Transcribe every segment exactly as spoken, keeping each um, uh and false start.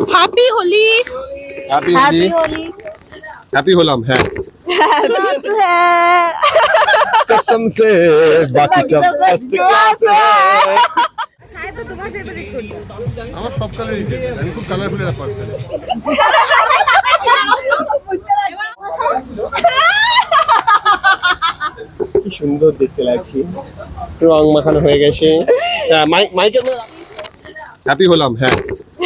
Happy Holi. Happy Holi. Happy হলাম হ্যাঁ। कसम से बाकी सब फर्स्ट क्लास है। আমার সব কালারই ফেভারিট, আমি খুব কালারফুল একটা পারসন। কি সুন্দর দেখতে লাগছে, রং মাখানো হয়ে গেছে। মাইক মাইকের হ্যাপি হলাম হ্যাঁ।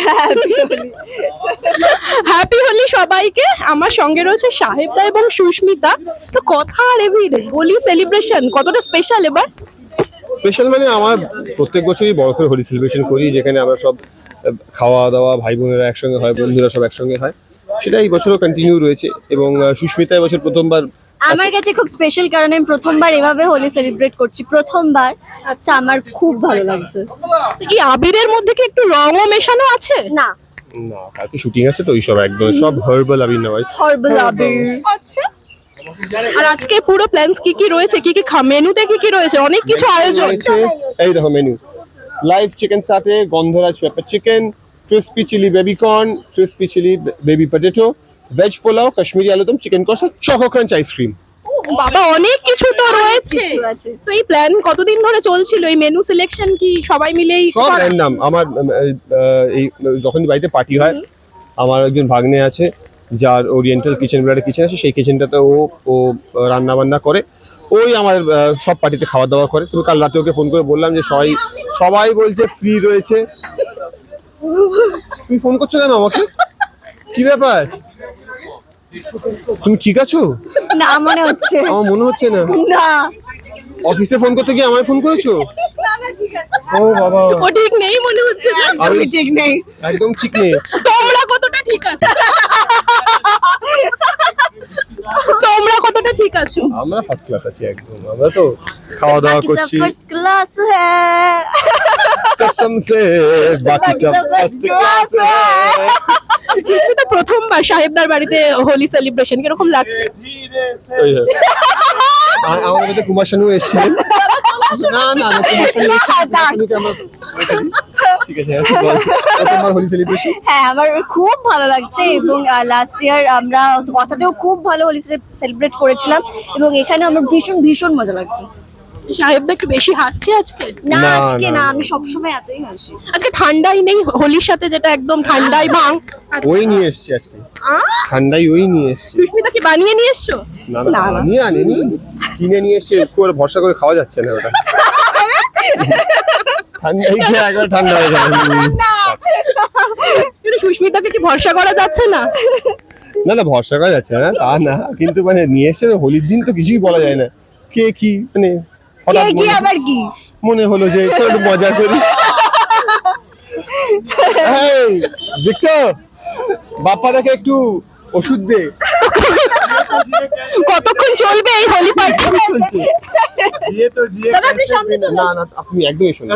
হ্যাপি হোলি সবাইকে। আমার সঙ্গে রয়েছে সাহেবদা এবং সুস্মিতা। তো কথা আর এভিডে হোলি সেলিব্রেশন কতটা স্পেশাল এবার? স্পেশাল মানে আমার প্রত্যেক বছরই বড় করে হোলি সেলিব্রেশন করি, যেখানে আমরা সব খাওয়া দাওয়া, ভাই বোনেরা একসঙ্গে হয়, বন্ধুরা সব একসঙ্গে হয়। সেটা এই বছরও কন্টিনিউ রয়েছে। এবং সুস্মিতা এবছর প্রথমবার আমার কাছে খুব স্পেশাল, কারণ আমি প্রথমবার এভাবে হোলি সেলিব্রেট করছি, প্রথমবার। আচ্ছা, আমার খুব ভালো লাগছে। এই আবিরের মধ্যে কি একটু রঙও মেশানো আছে? না না, কালকে শুটিং আছে তো, ওই সব একদম সব হার্বাল আবির নয়, হরবল আবির। আচ্ছা, আর আজকে পুরো প্ল্যানস কি কি রয়েছে, কি কি মেনুতে কি কি রয়েছে? অনেক কিছু আয়োজন। এই দেখো মেনু, লাইভ চিকেন সাথে গন্ধরাজ pepper chicken, crispy chilli baby corn, crispy chilli baby potato, veg pulao, Kashmiri আলুদম, চিকেন কষা, চকো ক্রাঞ্চ আইসক্রিম। বাবা, অনেক কিছু তো রয়েছে। তো এই প্ল্যান কতদিন ধরে চলছিল? এই মেনু সিলেকশন কি সবাই মিলেই সব র্যান্ডম? আমার এই যখনই বাড়িতে পার্টি হয়, আমার একজন ভাগ্নে আছে যার ওরিয়েন্টাল কিচেন বলে একটা কিচেন আছে, সেই কিচেনটাতে ও ও রান্না বান্না করে, ওই আমার সব পার্টিতে খাওয়া দাওয়া করে। তুমি কাল রাতে ওকে ফোন করে বললাম যে সবাই সবাই বলছে ফ্রি রয়েছে। তুমি ফোন করছো কেন আমাকে? কি ব্যাপার? তুমি ঠিক আছো? না মনে হচ্ছে। আমার মনে হচ্ছে না। না, অফিসে ফোন করতে গিয়ে আমায় ফোন করেছো? ও বাবা, ও ঠিক নেই মনে হচ্ছে না। আমি ঠিক নেই। একদম ঠিক নেই। তোমরা কতটা ঠিক আছো? তোমরা কতটা ঠিক আছো? আমরা ফার্স্ট ক্লাস আছি একদম। আমরা তো খাওয়া দাওয়া করছি। ফার্স্ট ক্লাস হ্যাঁ, कसम से बाकी सब फर्स्ट क्लास है। তুমি তো প্রথমবার সাহেবদার বাড়িতে হোলি সেলিব্রেশন, কিরকম লাগছে? ওই হ্যাঁ। আর আমাদের মধ্যে কুমার শানু এসেছিলেন। না না না, কুমার শানু এসেছিলেন। কুমার শানুকে আমরা ঠিক আছে, আচ্ছা বল, প্রথমবার হোলি সেলিব্রেশন। হ্যাঁ আমার খুব ভালো লাগছে। এবং লাস্ট ইয়ার আমরা কথাতেও খুব ভালো হোলি সেলিব্রেট করেছিলাম, এবং এখানে আমার ভীষণ ভীষণ মজা লাগছে। সাহেবদা একটু বেশি হাসছে আজকে? না না, আজকে না, না, না। আমি সবসময় এতই হাসি। আজকে ঠান্ডাই নেই হোলির সাথে, যেটা একদম ঠান্ডাই ভাঙ। ওই নিয়ে এসেছি আজকে, ঠান্ডাই ওই নিয়ে এসেছি। সুস্মিতা কি বানিয়ে নিয়ে এসছো? না না, নিয়ে আনেনি, কিনে নিয়ে এসে করে ভরসা করে খাওয়া যাচ্ছে না ওটা। ঠান্ডাই খেয়ে একবার ঠান্ডা হয়ে যাবে। কিন্তু সুস্মিতাকে কি ভরসা করা যাচ্ছে না? না না, ভরসা করা যাচ্ছে না তা না, কিন্তু মানে নিয়ে এসে হোলির দিন তো কিছুই বলা যায় না কে কি, মানে হঠাৎ কে কি মনে- আবার কি মনে হলো যে চলো একটু মজা করি। এই ভিক্টর, বাপ্পাদাকে একটু ওষুধ দে। কতক্ষণ চলবে এই হোলি পার্টি? দাদা, আপনি সামনে চলুন। না না, আপনি একদমই শুনুন।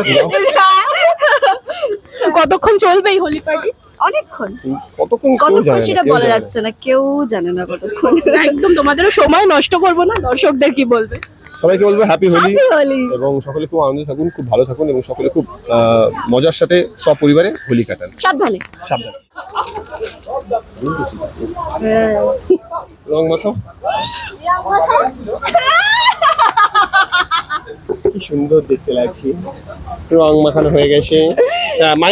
কতক্ষণ চলবে এই হোলি পার্টি? অনেকক্ষণ। কতক্ষণ কেউ কতক্ষণ জানে না, সেটা কেউ বলা জানে না। যাচ্ছে না, কেউ জানে না কতক্ষণ। একদম তোমাদেরও সময় নষ্ট করবো না, দর্শকদের কি বলবে? সবাইকে বলবো হ্যাপি হোলি, Happy Holi। এবং সকলে খুব আনন্দে থাকুন, খুব ভালো থাকুন, এবং সকলে খুব আহ, মজার সাথে সব পরিবারে হোলি কাটান। সাবধানে। সাবধানে। রং মাখাও। কি সুন্দর দেখতে লাগছে, রং মাখানো হয়ে গেছে।